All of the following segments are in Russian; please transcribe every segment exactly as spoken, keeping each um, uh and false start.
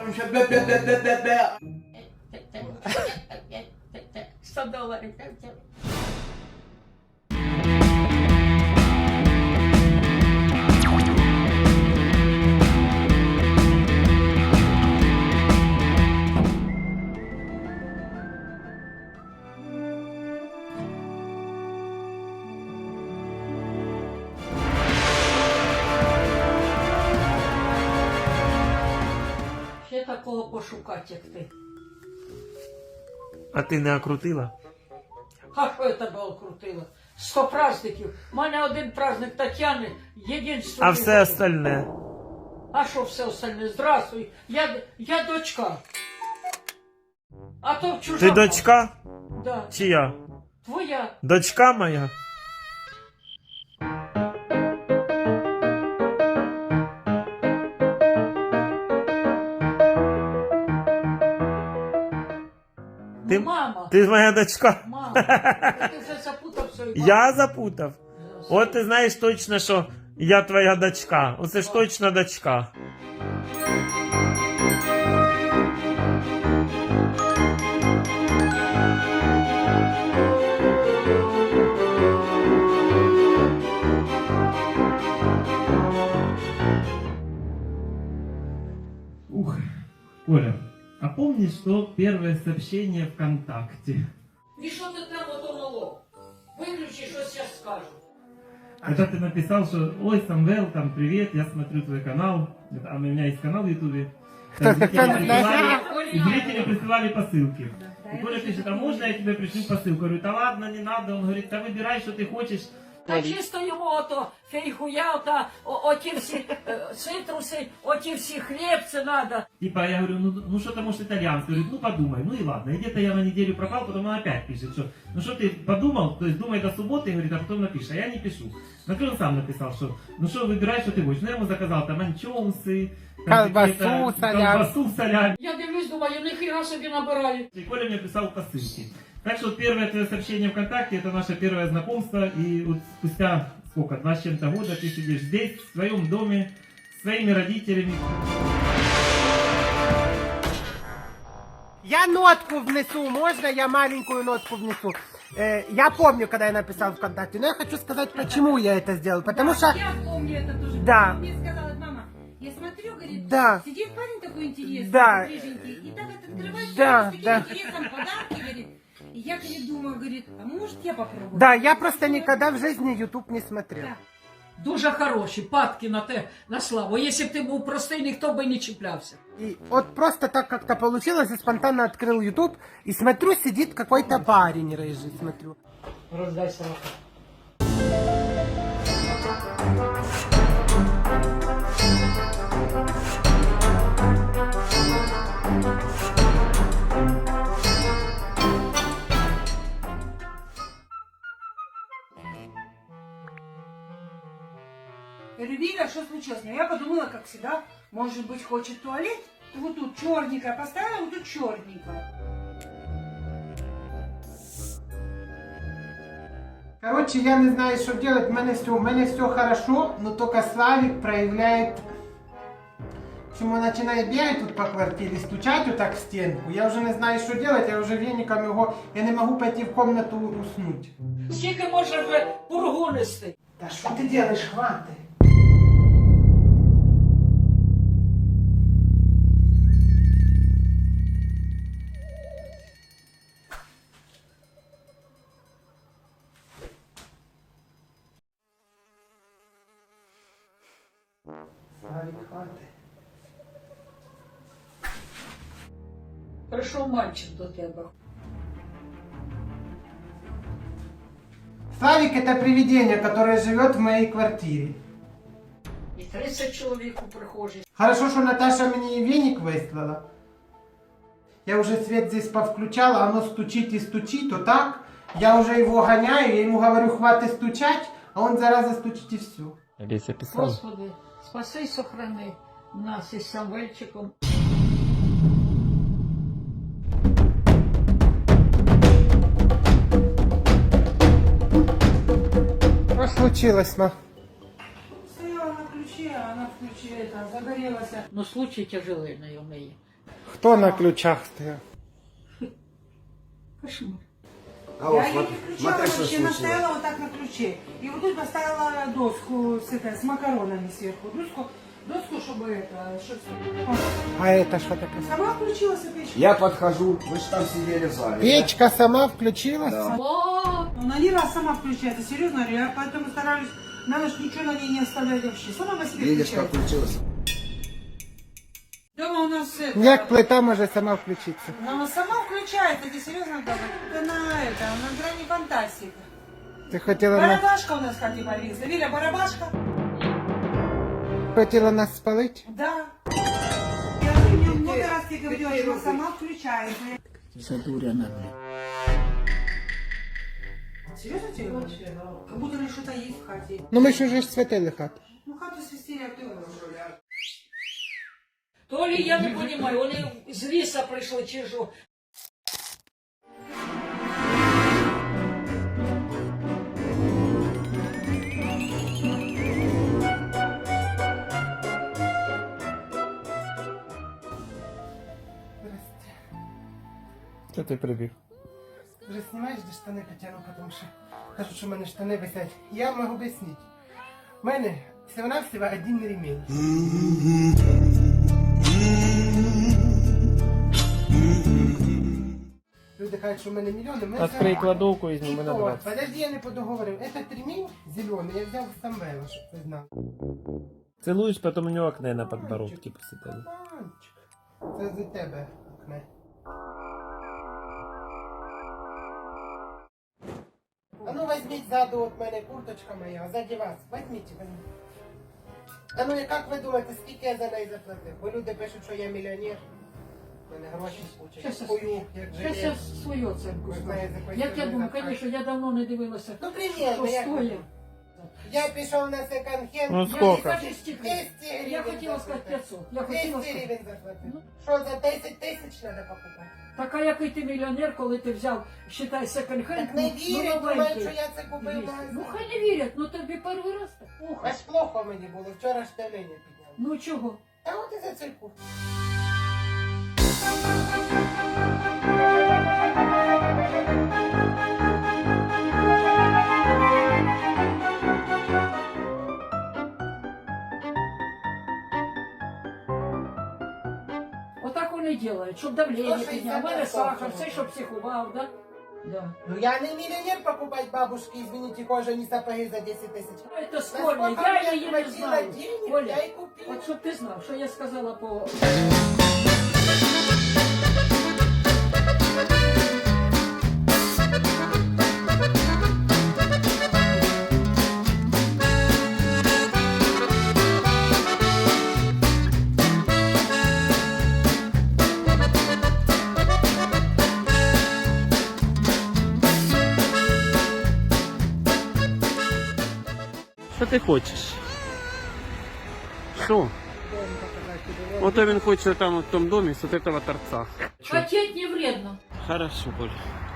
сто доларів. Ще такого пошукати, як ти. А ти не окрутила? А що я тебе окрутила? Сто праздників. У мене один праздник Тетяни, єдинство. А все остальне? А що все остальне? Здравствуй. Я, я дочка. А то чужа. Ти дочка? Да. Чи я? Твоя. Дочка моя? Ти, Мама. ти моя дочка? Мама. Ти вже запутав свою маму. Я запутав? От ти знаєш точно, що я твоя дочка. Оце ж точно дочка. Ух, Коля, а помнишь, что первое сообщение ВКонтакте? І що ти там ото мало? Виключи, щось я скажу. Это ты написал, что ой, Самвел, там привет, я смотрю твой канал. Это, а у меня есть канал в Ютубе. Там Зрители присылали, и зрители присылали посылки. И Коля пишет, а можно я тебе пришлю посылку? Я говорю, да ладно, не надо. Он говорит, да выбирай, что ты хочешь. Та чисто йому ото фейхуя, та о- оті всі е, цитруси, оті всі хлібці надо. Типа, я говорю, ну, ну что-то может итальянский. Говорит, ну подумай, ну и ладно. И где-то я на неделю пропал, потом он опять пишет, что ну что ты подумал, то есть думай до субботы, говорит, а потом напишешь. А я не пишу. На то он сам написал, что ну что, выбирай, что ты хочешь. Ну я ему заказал там анчоусы, там Колбасу, какие-то- салям. колбасу, салям. Я дивлюсь, думаю, ніхіра собі набираю. И Коля мне писал посылки. Так что вот первое твое сообщение ВКонтакте, это наше первое знакомство. И вот спустя, сколько, два с чем-то года ты сидишь здесь, в своем доме, с своими родителями. Я нотку внесу, можно я маленькую нотку внесу? Э, я помню, когда я написал ВКонтакте, но я хочу сказать, почему я это сделал. Потому что... Я помню это тоже. Да. Мне сказала мама, я смотрю, говорит, Да. сидит парень такой интересный, Да. рыженький, и так вот открывает Да, с таким да. интересом подарки, говорит. И я, говорит, думаю, говорит, а может я попробую? Да, я просто никогда в жизни YouTube не смотрел. Да. Дуже хороші, падки на те, на славу. Якщо б ти був простий, ніхто би не чіплявся. И вот просто так как-то получилось, и спонтанно открыл YouTube, и смотрю, сидит какой-то парень рыжий, смотрю. Роздай салат. Эльвира, что случилось? Ну, я подумала, как всегда, может быть, хочет туалет? Вот тут черненькая поставила, вот тут черненькая. Короче, я не знаю, что делать, у меня все, у меня все хорошо, но только Славик проявляет... В общем, он начинает бегать тут по квартире, стучать вот так в стенку. Я уже не знаю, что делать, я уже веником его... Я не могу пойти в комнату уснуть. Скільки може вже пургу нести? Да что ты делаешь, хватит? Славик, хватит. Прийшов мальчик до тебе. Славик это привидение, которое живет в моей квартире. І тридцять чоловік у прихожій. Хорошо, что Наташа мне веник выслала. Я уже свет здесь повключала, оно стучит и стучит, вот так. Я уже его гоняю, я ему говорю, хватит стучать, а он зараза стучит и все. Олеся писала. Господи, спаси й сохрани нас із Самвельчиком. Что случилось, ма? Стояла на ключе, а она в ключе это, загорелась. Ну, случай тяжелий на неї. Хто на ключах стояв? Кошмар. А вот, Я ее вот, не включала, смотри, что вообще случилось. настояла вот так на ключе. И вот тут поставила доску с, это, с макаронами сверху. Доску, доску, чтобы это... Что, А это що таке? сама включилась и печка. Я подхожу, вы же там сидели в зале. Печка сама включилась? Да. О, Она не раз сама включается, серьезно говорю. Я поэтому стараюсь на ночь ничего на ней не оставлять вообще. Сама по себе Видишь, как включается. включилось? Дома у нас это... Як плита може сама включитися? Она сама включается, это серьезно говорю. Это на это, на грани фантастики. Ти хотіла нас, Барабашка у нас как и повисла. Виля, барабашка? хотіла нас спалити? Да. Я же мне много раз тебе говорила, что она сама включается. задуряна, блядь. Серьезно тебе говорю? Как будто ли что-то есть в хате. Ну ми ж уже ж святили хату. Ну хату свистели, а ты уже. То ли я не понимаю, вони з ліса прийшли чи що. Що ти прибіг? Вже знімаєш, де штани потягну, тому що кажуть, що в мене штани висять. Я можу об'яснити. У мене всього-навсього один ремінь. Люди кажуть, що в мене мільйони. Ми Открий це- кладовку і І зніми на то, двадцять. подожди, я не подоговорив. Этот ремінь зелений, я взяв з Самвела, щоб ти знав. Целуєш, потім у нього акне на подбородці посидели. Мальчик, це за тебе окне. А ну возьміть ззаду от мене курточка моя, ззаді вас. Возьміть, возьміть. А ну і як ви думаєте, скільки я за неї заплатив? Бо люди пишуть, що я мільйонер. У мене гроші Щас скучать. я- Хую, як Зараз я желез. свою оценку Ви скажу. знаєте, якої Як я ціни думаю, заплатять. звісно, я давно не дивилася, Ну що примерно, як ви стоїть. думаєте? Я пішов на секонд-хенд. Ну, я сколько? Скажи, стільки. двісті гривень Я хотіла сказати заплатив. п'ятсот. Я хотіла двісті сказати. гривень заплатив. Ну. Що, за десять тисяч треба покупати? Так а який ти мільйонер, коли ти взяв, считай, секонд-хенд, Так не вірять, думають, новенький. що я це купив в двісті. магазині. Ну хай не вірять, ну тобі перший раз так. Ох, Аж плохо мені було, вчора ж давлення підняв. ну чого? Та от і за цей курс. Отак вони роблять, щоб давлення сто підняв. У мене шістдесят сахар, відсотків. все, щоб психував, да? Да. Ну я не мільйонер покупати бабушки, извините, кожані сапоги за десять тисяч. Это сколько, я її не знаю. денег, Оля, я і купив. от щоб ти знав, що я сказала по... Що ти хочеш? Що? Ото він хоче там в тому домі з от этого торца. Хотеть не вредно. Хорошо, Коля.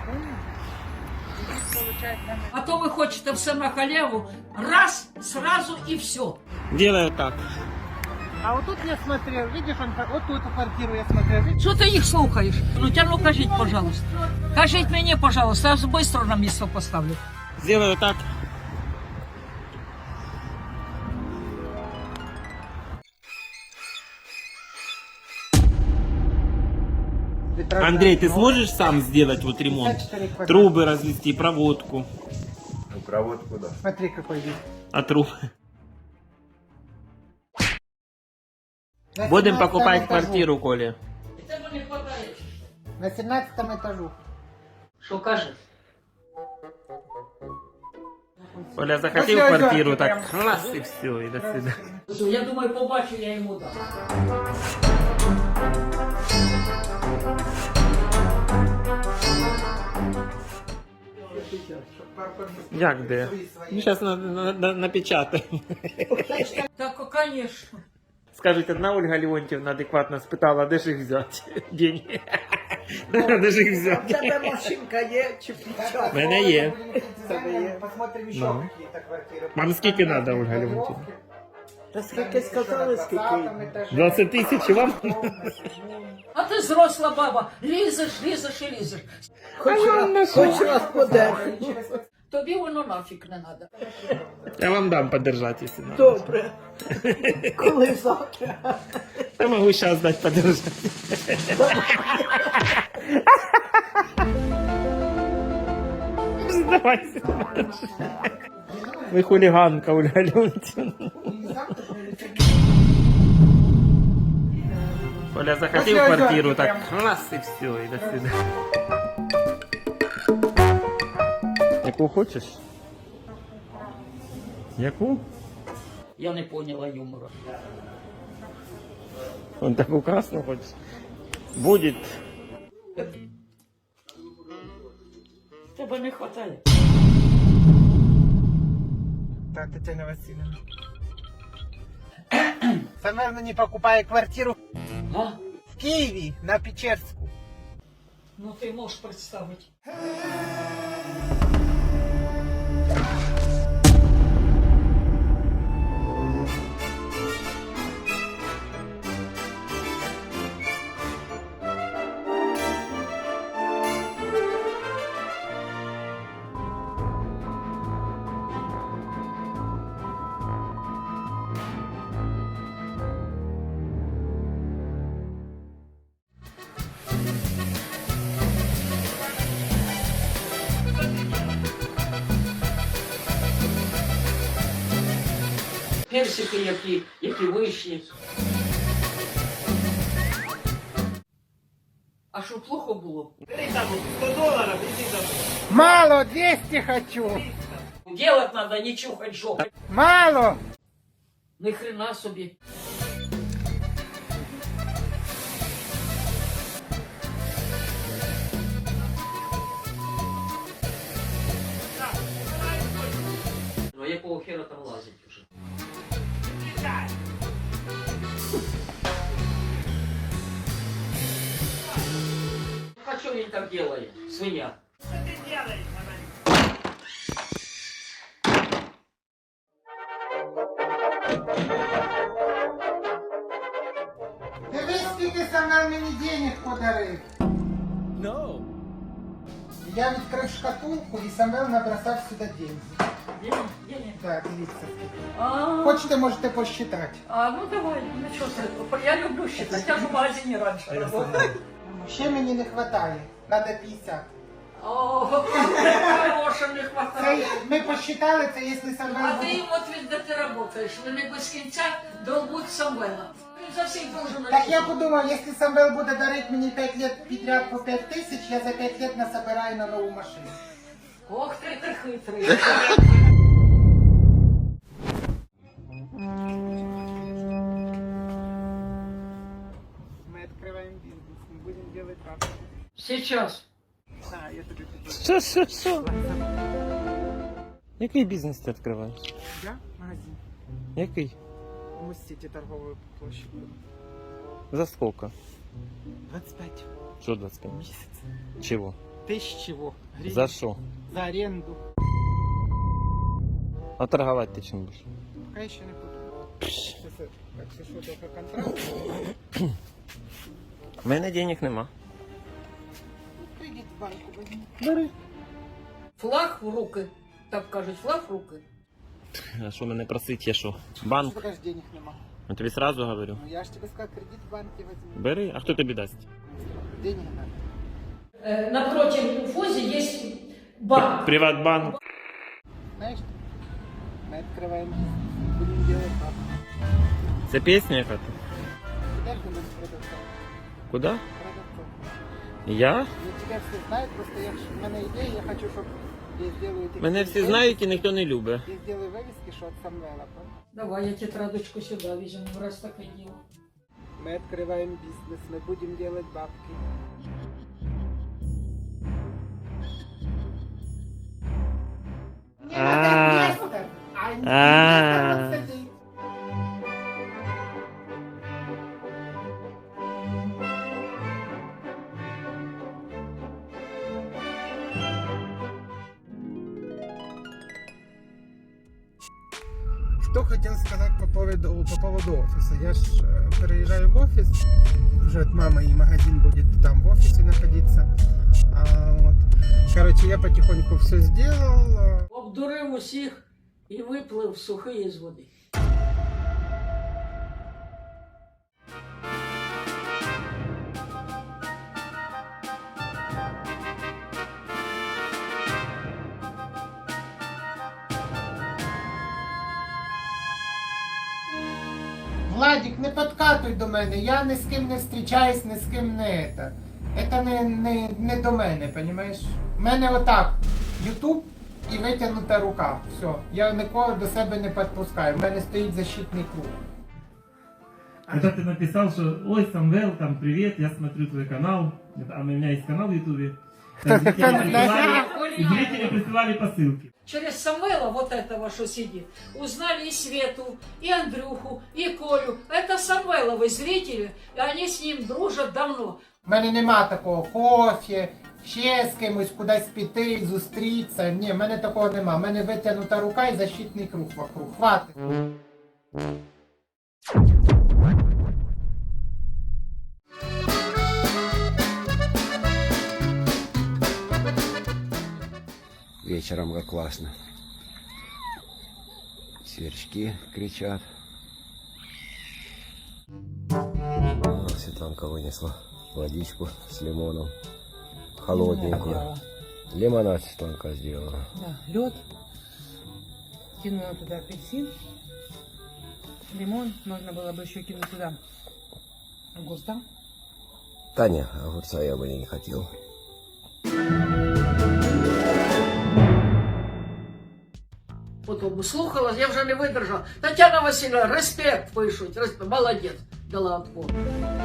А то ви хочете все на халяву, раз, сразу і все. Делаю так. А вот тут я смотрел, видишь, он, вот тут эту квартиру я смотрел, видишь? Що ти їх слухаєш? Ну тя ну кажіть, пожалуйста. Кажіть мені, пожалуйста, я швидко на місце поставлю. Сделаю так. Андрей, ты сможешь сам сделать вот ремонт? пятьдесят четыре квадрата. Трубы развести, проводку. Ну, проводку, да. Смотри, какой вид. А трубы? На Будем семнадцатом покупать этажу. квартиру, Коля. Тебе не хватає. На семнадцатом этажу. Що кажеш? Коля захотел Ну, всё, квартиру, идёте так прям. раз и все, и до свидания. Я думаю, побачу, я йому дам. Як де? Ну, сейчас на, на, на, напечатаем. Так, конечно. Скажите, одна Ольга Леонтьевна адекватно спитала, де ж їх взяти? Деньги. Де ж їх взяти? Тебе машинка є чи В мене є. Посмотрим еще Ну. какие-то квартиры. Вам скільки надо, Ольга Леонтьевна? Та скільки сказали, скільки? двадцять тисяч і вам? А ти ти зросла баба, лізеш, лізеш і лізеш. Хоч раз, хоч раз подержи. Тобі воно нафіг не треба. Я вам дам подержать, если надо. Добре. Коли завтра? Я могу сейчас дать подержать. Давайте. Вы хулиганка, Ольга Леонтьевна. Оля захотел После квартиру, озерки так прям. раз и все, и до свидания. Яку хочеш? Яку? Я не поняла юмора. Он такую красную хочешь? Будет. Тебе не вистачає. Так, Татьяна Васильевна. Самвел мені покупає квартиру А? в Києві на Печерську. Ну ти можеш представити. Персики, які, які вишні. А що плохо було? сто долларов, иди домой. Мало, двести хочу. Делать надо, не чухать жопу. Мало. Ни хрена собі. Ну а якого хера там лазить уже? А что він так делает, свинья? Дивись, скільки Самвел мені денег подарив. No. Я відкрив шкатулку і Самвел набросав сюди деньги. Денег, денег. Так, дивіться скільки. А, Хочете, можете посчитати. а, ну давай, ну что ты, я люблю считать, я же в магазине раньше работала. Ще мені не вистачає. Надо п'ятдесят. О, хорошего не Це, хватает. ми посчитали, це якщо Самвел А буде... ты им вот ведь да ты работаешь, вони без кінця долбуть Самвела. Він за всіх должен Так я подумав, якщо Самвел буде дарити мені п'ять років підряд по п'ять тисяч, я за п'ять років насобираю на нову машину. Ох ти, ти хитрий. Ми відкриваємо бізнес, ми будемо робити бабки. Сейчас. Так, я тобі піду. Що, що, що? Який бізнес ти відкриваєш? Я? Магазин. Який? У Мостіті торгової площі. За сколько? двадцять п'ять Що двадцять п'ять? місяць. Чего? Тисяч чого? Гривень. За що? За оренду. А торговать ти чим будеш? Поки ще не подумав. Так, це що, тільки контракт? У мене денег нема. Кредит в банку візьму. Бери. Флаг в руки. Так кажуть, флаг в руки. А що мене просить, я що? Банк? Поки ж денег нема. Я тобі сразу говорю. Ну я ж тебе сказав, кредит в банке візьму. Бери, а хто тобі дасть? Денег надо. Е, напротив ФОЗі є банк. Приватбанк. Знаєш, ми відкриваємо бізнес, будемо робити бабки. Це пісня яка-то? Підеш до мене продавцом? Куди? Продавцом. Я? Ну, тебя все знают, просто я, в мене ідея, я хочу, щоб я сделаю... такі Мене всі вивіски. знають і ніхто не любить. Я сделаю вивіски, що від Самвела. понял? Давай, я тетрадочку сюди візьму, раз таке діло. Ми відкриваємо бізнес, ми будемо робити бабки. Мне надо инвестор, а А. инвестор вот сидит. что хотел сказать по поводу, по поводу офиса. Я ж э, переезжаю в офис, уже от мамы, и магазин будет там в офисе находиться. А, вот. Короче, я потихоньку все сделал. Обдурив усіх і виплив сухий з води. Владик, не подкатуй до мене, я ні з ким не зустрічаюсь, ні з ким не это. Это не, не, не до мене, понимаєш? У мене отак, Ютуб і витягнута рука. Все, я нікого до себе не підпускаю, в мене стоїть защитний круг. Когда ты написал, что ой, Самвел, там привет, я смотрю твой канал, это, а у меня есть канал в Ютубе. Там зрители присылали, и зрители присылали посылки. Через Самвела, вот этого, что сидит, узнали и Свету, и Андрюху, и Колю. Это Самвеловы зрители, и они с ним дружат давно. У мене нема такого кофе, ще з кимось кудись піти, зустрітися. Ні, в мене такого нема. У мене витягнута рука і защитний круг вокруг. Хватить. Вечером как классно. Сверчки кричат. Вот Светланка вынесла водичку с лимоном. Холодненькую. Лимонад Светланка сделала. Да, лед. Кинула туда апельсин. Лимон. Можно было бы еще кинуть туда огурца. Таня, огурца я бы не хотел. Потім слухала, я вже не видержала. Тетяна Васильівна, респект пишуть, респект, молодець, дала отпор.